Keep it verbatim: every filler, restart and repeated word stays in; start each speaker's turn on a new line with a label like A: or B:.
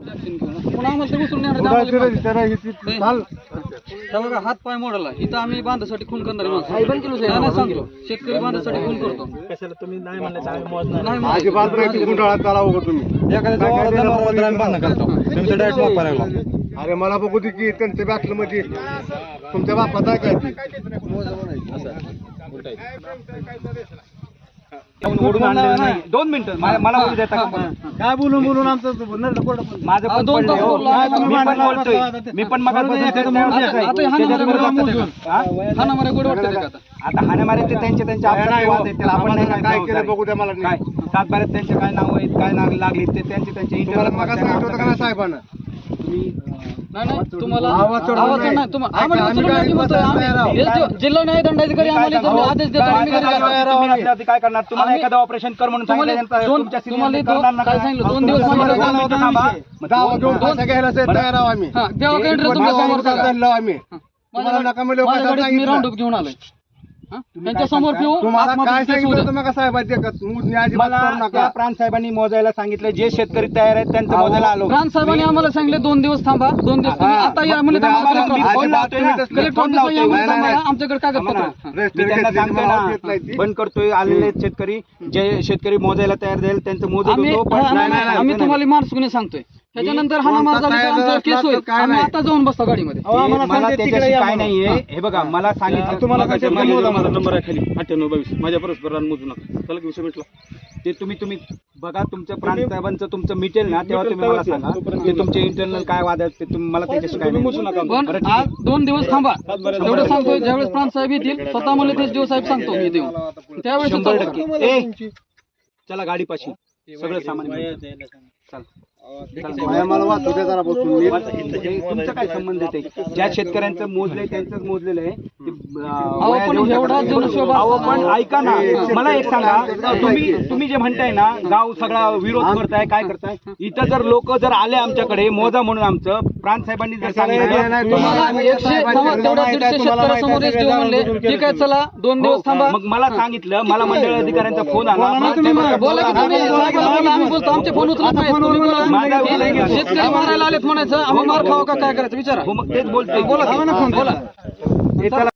A: पुन्हा आम्हाला ते उचलून नेणार बघा हात पाय मोडला इथं आम्ही बांधासाठी खून करणारे माणसं नाही सांगतो शेतकरी बांधासाठी खून करतो
B: कशाला तुम्ही नाही म्हणले आम्ही मोजणार
A: नाही
C: अजिबात नाही गुंडाळा चालावं का तुम्ही अरे मला बघू दे की त्यांच्या बॅटल मध्ये तुमच्या बापात आहे काय ती
B: दोन मिनिटं मला बोलू देता काय बोलून बोलून आमचं माझं पण मी पण मग आता हाण्यामारे ते त्यांचे त्यांचे आपण
C: काय केलं बघू द्या मला
B: काय सातबाऱ्यात त्यांचे काय नाव आहेत काय नाव लागली ते त्यांचे त्यांचे इंटरव्ह्यू
C: मग सांगितलं होतं का ना साहेबांना
A: नाही नाही तुम्हाला आवाज नाही तुम्हाला जिल्हा न्याय दंडाधिकारी आम्हाला आदेश देतो
B: काय करणार तुम्हाला एखादं ऑपरेशन कर म्हणून
A: तुम्हाला काय सांगितलं दोन दिवस
C: तयार आहोत आम्ही आम्ही
A: मी राऊंड अप घेऊन आलोय त्यांच्या समोर
C: तुम्हाला काय सांगितलं मग साहेबांनी
B: प्राण साहेबांनी मोजायला सांगितलं जे शेतकरी तयार आहेत त्यांचं मोजायला आलो
A: प्राण साहेबांनी आम्हाला सांगितले दोन दिवस थांबा दोन दिवस आता या म्हणजे आमच्याकडे कागदपत्र
B: बंद करतोय आलेले शेतकरी जे शेतकरी मोजायला तयार झाले त्यांचं मोजत
A: आम्ही तुम्हाला मार्च सांगतोय त्याच्यानंतर हा आमचा केस होईल आम्ही आता जाऊन बसतो गाडीमध्ये
B: मला त्याच्याशी काय नाहीये हे बघा मला सांगितलं तुम्हाला
D: माझा नंबर आहे खाली अठ्ठ्याण्णव बावीस माझ्या परस्पर मोजू नका चला विषय मिटला
B: ते तुम्ही तुम्ही बघा तुमचं प्राण साहेबांचं तुमचं मिटेल ना तेव्हा तुम्ही मला सांगा ते तुमचे इंटरनल काय वाद आहेत ते तुम्ही मला त्याच्याशी काय मोजू नका
A: पण आज दोन दिवस थांबा एवढं सांगतोय ज्यावेळेस प्राण साहेब येतील स्वतः मला तेच दिवस साहेब सांगतो मी देऊन त्यावेळेस
B: शंभर टक्के ए चला गाडी पाशी सगळं सामान चल
C: मला वाचू दे जरा बसून
B: तुमचं काय संबंध आहे ज्या शेतकऱ्यांचं मोजलंय त्यांचंच मोजलेलं आहे पण ऐका ना मला एक सांगा तुम्ही तुम्ही जे म्हणताय ना गाव सगळा विरोध करताय काय करताय इथं जर लोक जर आले आमच्याकडे मोजा म्हणून आमचं प्राण साहेबांनी जर
A: ठीक आहे चला दोन दिवस थांबा
B: मग मला सांगितलं मला मंडळ अधिकाऱ्यांचा फोन आला
A: बोला आम्ही बोलतो आमचे फोन उचलत नाही शेतकरी मारायला आलेत म्हणायचं आम्ही मार खावा का काय करायचं विचारा
B: मग तेच बोलतोय
A: बोला बोला